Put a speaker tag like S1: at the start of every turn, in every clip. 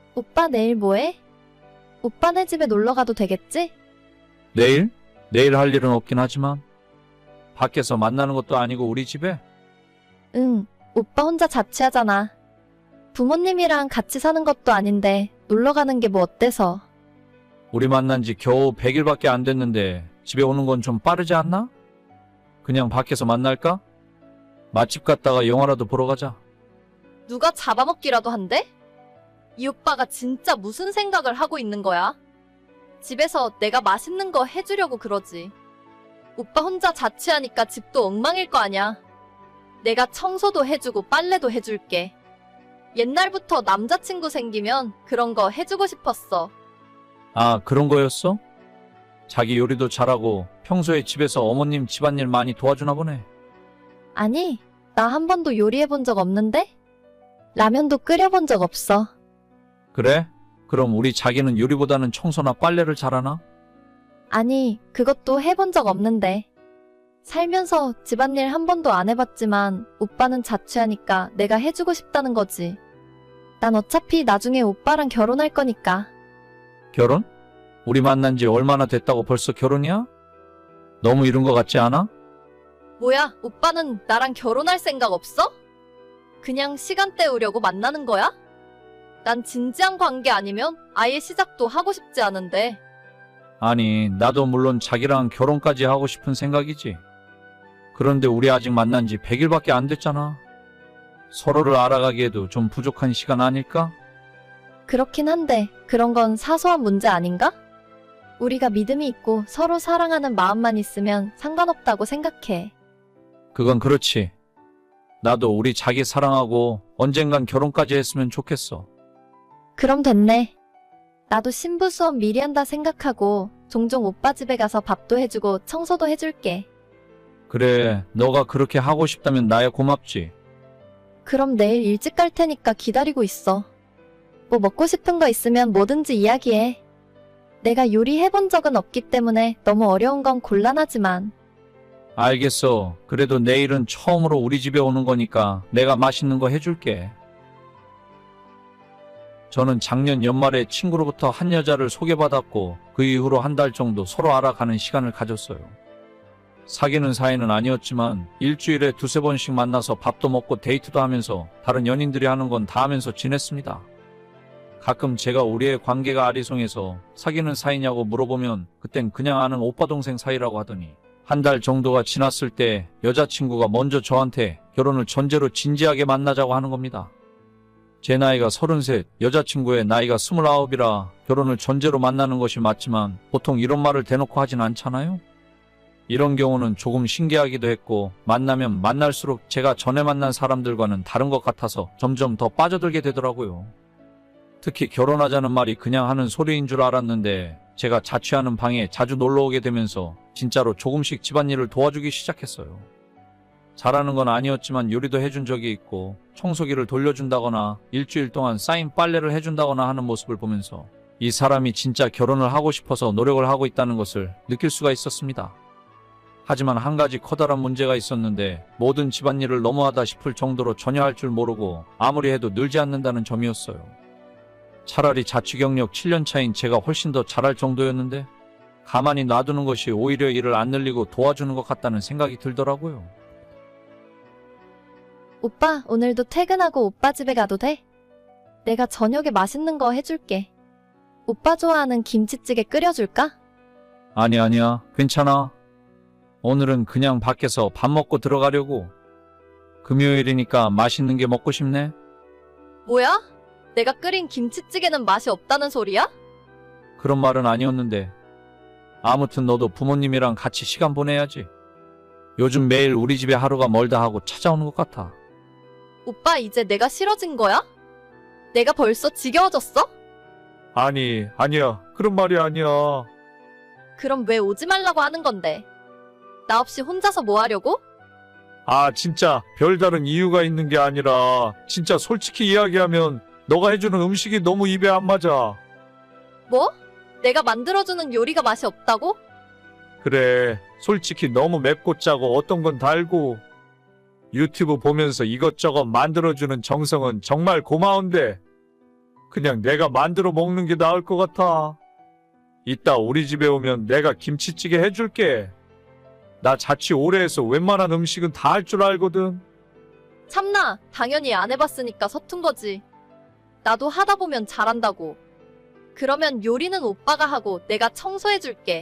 S1: 오빠 내일 뭐해? 오빠네 집에 놀러 가도 되겠지?
S2: 내일? 내일 할 일은 없긴 하지만 밖에서 만나는 것도 아니고 우리 집에?
S1: 응, 오빠 혼자 자취하잖아. 부모님이랑 같이 사는 것도 아닌데 놀러 가는 게 뭐 어때서?
S2: 우리 만난 지 겨우 100일밖에 안 됐는데 집에 오는 건 좀 빠르지 않나? 그냥 밖에서 만날까? 맛집 갔다가 영화라도 보러 가자.
S1: 누가 잡아먹기라도 한대? 이 오빠가 진짜 무슨 생각을 하고 있는 거야? 집에서 내가 맛있는 거 해주려고 그러지. 오빠 혼자 자취하니까 집도 엉망일 거 아냐. 내가 청소도 해주고 빨래도 해줄게. 옛날부터 남자친구 생기면 그런 거 해주고 싶었어.
S2: 아, 그런 거였어? 자기 요리도 잘하고 평소에 집에서 어머님 집안일 많이 도와주나 보네.
S1: 아니, 나 한 번도 요리해본 적 없는데? 라면도 끓여본 적 없어.
S2: 그래? 그럼 우리 자기는 요리보다는 청소나 빨래를 잘하나?
S1: 아니, 그것도 해본 적 없는데. 살면서 집안일 한 번도 안 해봤지만 오빠는 자취하니까 내가 해주고 싶다는 거지. 난 어차피 나중에 오빠랑 결혼할 거니까.
S2: 결혼? 우리 만난 지 얼마나 됐다고 벌써 결혼이야? 너무 이른 것 같지 않아?
S1: 뭐야, 오빠는 나랑 결혼할 생각 없어? 그냥 시간 때우려고 만나는 거야? 난 진지한 관계 아니면 아예 시작도 하고 싶지 않은데.
S2: 아니, 나도 물론 자기랑 결혼까지 하고 싶은 생각이지. 그런데 우리 아직 만난 지 100일밖에 안 됐잖아. 서로를 알아가기에도 좀 부족한 시간 아닐까?
S1: 그렇긴 한데 그런 건 사소한 문제 아닌가? 우리가 믿음이 있고 서로 사랑하는 마음만 있으면 상관없다고 생각해.
S2: 그건 그렇지. 나도 우리 자기 사랑하고 언젠간 결혼까지 했으면 좋겠어.
S1: 그럼 됐네. 나도 신부 수업 미리 한다 생각하고 종종 오빠 집에 가서 밥도 해주고 청소도 해줄게.
S2: 그래, 너가 그렇게 하고 싶다면 나야 고맙지.
S1: 그럼 내일 일찍 갈 테니까 기다리고 있어. 뭐 먹고 싶은 거 있으면 뭐든지 이야기해. 내가 요리해본 적은 없기 때문에 너무 어려운 건 곤란하지만.
S2: 알겠어. 그래도 내일은 처음으로 우리 집에 오는 거니까 내가 맛있는 거 해줄게. 저는 작년 연말에 친구로부터 한 여자를 소개받았고 그 이후로 한 달 정도 서로 알아가는 시간을 가졌어요. 사귀는 사이는 아니었지만 일주일에 두세 번씩 만나서 밥도 먹고 데이트도 하면서 다른 연인들이 하는 건 다 하면서 지냈습니다. 가끔 제가 우리의 관계가 아리송해서 사귀는 사이냐고 물어보면 그땐 그냥 아는 오빠 동생 사이라고 하더니 한 달 정도가 지났을 때 여자친구가 먼저 저한테 결혼을 전제로 진지하게 만나자고 하는 겁니다. 제 나이가 33, 여자친구의 나이가 29이라 결혼을 전제로 만나는 것이 맞지만 보통 이런 말을 대놓고 하진 않잖아요? 이런 경우는 조금 신기하기도 했고 만나면 만날수록 제가 전에 만난 사람들과는 다른 것 같아서 점점 더 빠져들게 되더라고요. 특히 결혼하자는 말이 그냥 하는 소리인 줄 알았는데 제가 자취하는 방에 자주 놀러오게 되면서 진짜로 조금씩 집안일을 도와주기 시작했어요. 잘하는 건 아니었지만 요리도 해준 적이 있고 청소기를 돌려준다거나 일주일 동안 쌓인 빨래를 해준다거나 하는 모습을 보면서 이 사람이 진짜 결혼을 하고 싶어서 노력을 하고 있다는 것을 느낄 수가 있었습니다. 하지만 한 가지 커다란 문제가 있었는데 모든 집안일을 너무하다 싶을 정도로 전혀 할 줄 모르고 아무리 해도 늘지 않는다는 점이었어요. 차라리 자취 경력 7년 차인 제가 훨씬 더 잘할 정도였는데 가만히 놔두는 것이 오히려 일을 안 늘리고 도와주는 것 같다는 생각이 들더라고요.
S1: 오빠, 오늘도 퇴근하고 오빠 집에 가도 돼? 내가 저녁에 맛있는 거 해줄게. 오빠 좋아하는 김치찌개 끓여줄까?
S2: 아니야. 괜찮아. 오늘은 그냥 밖에서 밥 먹고 들어가려고. 금요일이니까 맛있는 게 먹고 싶네.
S1: 뭐야? 내가 끓인 김치찌개는 맛이 없다는 소리야?
S2: 그런 말은 아니었는데. 아무튼 너도 부모님이랑 같이 시간 보내야지. 요즘 매일 우리 집에 하루가 멀다 하고 찾아오는 것 같아.
S1: 오빠 이제 내가 싫어진 거야? 내가 벌써 지겨워졌어?
S2: 아니야. 그런 말이 아니야.
S1: 그럼 왜 오지 말라고 하는 건데? 나 없이 혼자서 뭐 하려고?
S2: 아, 진짜 별다른 이유가 있는 게 아니라 진짜 솔직히 이야기하면 너가 해주는 음식이 너무 입에 안 맞아.
S1: 뭐? 내가 만들어주는 요리가 맛이 없다고?
S2: 그래, 솔직히 너무 맵고 짜고 어떤 건 달고 유튜브 보면서 이것저것 만들어주는 정성은 정말 고마운데 그냥 내가 만들어 먹는 게 나을 것 같아. 이따 우리 집에 오면 내가 김치찌개 해줄게. 나 자취 오래 해서 웬만한 음식은 다 할 줄 알거든.
S1: 참나, 당연히 안 해봤으니까 서툰 거지. 나도 하다 보면 잘한다고. 그러면 요리는 오빠가 하고 내가 청소해줄게.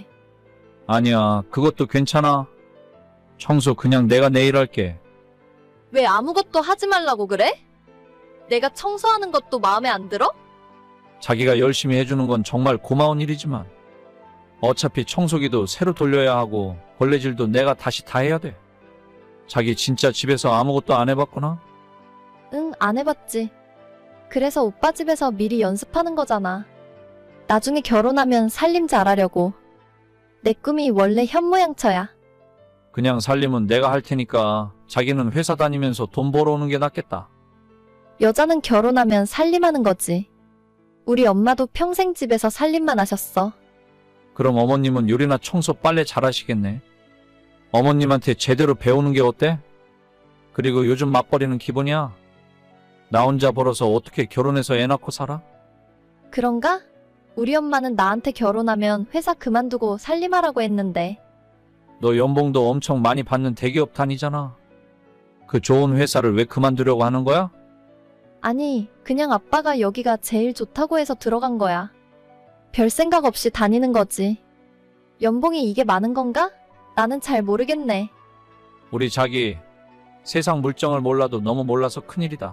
S2: 아니야, 그것도 괜찮아. 청소 그냥 내가 내일 할게.
S1: 왜 아무것도 하지 말라고 그래? 내가 청소하는 것도 마음에 안 들어?
S2: 자기가 열심히 해주는 건 정말 고마운 일이지만 어차피 청소기도 새로 돌려야 하고 걸레질도 내가 다시 다 해야 돼. 자기 진짜 집에서 아무것도 안 해봤구나?
S1: 응, 안 해봤지. 그래서 오빠 집에서 미리 연습하는 거잖아. 나중에 결혼하면 살림 잘하려고. 내 꿈이 원래 현모양처야.
S2: 그냥 살림은 내가 할 테니까 자기는 회사 다니면서 돈 벌어오는 게 낫겠다.
S1: 여자는 결혼하면 살림하는 거지. 우리 엄마도 평생 집에서 살림만 하셨어.
S2: 그럼 어머님은 요리나 청소 빨래 잘하시겠네. 어머님한테 제대로 배우는 게 어때? 그리고 요즘 맞벌이는 기본이야. 나 혼자 벌어서 어떻게 결혼해서 애 낳고 살아?
S1: 그런가? 우리 엄마는 나한테 결혼하면 회사 그만두고 살림하라고 했는데.
S2: 너 연봉도 엄청 많이 받는 대기업 다니잖아. 그 좋은 회사를 왜 그만두려고 하는 거야?
S1: 아니, 그냥 아빠가 여기가 제일 좋다고 해서 들어간 거야. 별 생각 없이 다니는 거지. 연봉이 이게 많은 건가? 나는 잘 모르겠네.
S2: 우리 자기 세상 물정을 몰라도 너무 몰라서 큰일이다.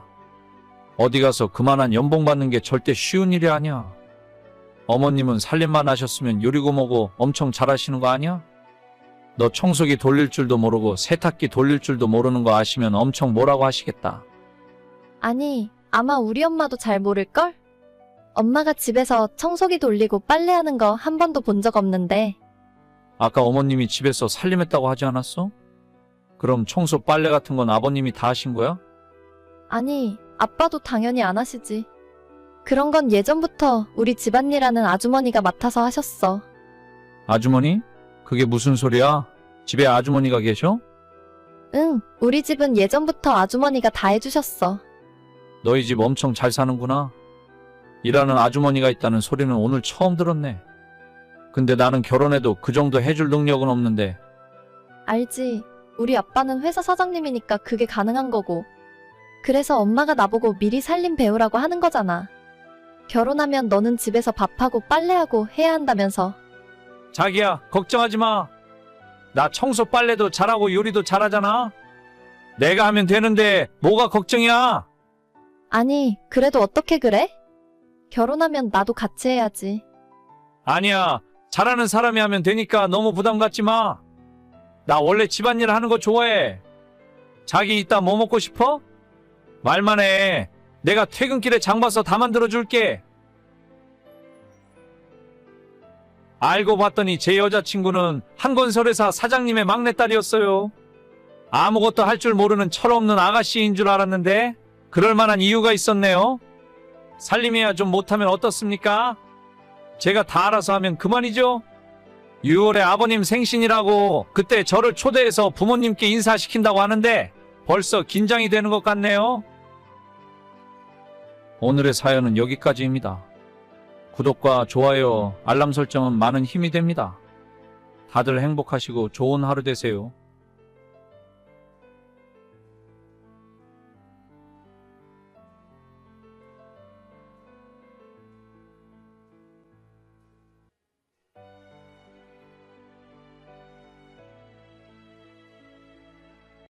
S2: 어디 가서 그만한 연봉 받는 게 절대 쉬운 일이 아니야. 어머님은 살림만 하셨으면 요리고 뭐고 엄청 잘하시는 거 아니야? 너 청소기 돌릴 줄도 모르고 세탁기 돌릴 줄도 모르는 거 아시면 엄청 뭐라고 하시겠다.
S1: 아니, 아마 우리 엄마도 잘 모를걸? 엄마가 집에서 청소기 돌리고 빨래하는 거 한 번도 본 적 없는데.
S2: 아까 어머님이 집에서 살림했다고 하지 않았어? 그럼 청소 빨래 같은 건 아버님이 다 하신 거야?
S1: 아니, 아빠도 당연히 안 하시지. 그런 건 예전부터 우리 집안일하는 아주머니가 맡아서 하셨어.
S2: 아주머니? 그게 무슨 소리야? 집에 아주머니가 계셔?
S1: 응, 우리 집은 예전부터 아주머니가 다 해주셨어.
S2: 너희 집 엄청 잘 사는구나. 일하는 아주머니가 있다는 소리는 오늘 처음 들었네. 근데 나는 결혼해도 그 정도 해줄 능력은 없는데.
S1: 알지. 우리 아빠는 회사 사장님이니까 그게 가능한 거고. 그래서 엄마가 나보고 미리 살림 배우라고 하는 거잖아. 결혼하면 너는 집에서 밥하고 빨래하고 해야 한다면서.
S2: 자기야, 걱정하지 마. 나 청소 빨래도 잘하고 요리도 잘하잖아. 내가 하면 되는데 뭐가 걱정이야?
S1: 아니, 그래도 어떻게 그래? 결혼하면 나도 같이 해야지.
S2: 아니야, 잘하는 사람이 하면 되니까 너무 부담 갖지 마. 나 원래 집안일 하는 거 좋아해. 자기 이따 뭐 먹고 싶어? 말만 해. 내가 퇴근길에 장 봐서 다 만들어 줄게. 알고 봤더니 제 여자친구는 한건설회사 사장님의 막내딸이었어요. 아무것도 할 줄 모르는 철없는 아가씨인 줄 알았는데 그럴 만한 이유가 있었네요. 살림해야 좀 못하면 어떻습니까? 제가 다 알아서 하면 그만이죠. 6월에 아버님 생신이라고 그때 저를 초대해서 부모님께 인사시킨다고 하는데 벌써 긴장이 되는 것 같네요. 오늘의 사연은 여기까지입니다. 구독과 좋아요, 알람 설정은 많은 힘이 됩니다. 다들 행복하시고 좋은 하루 되세요.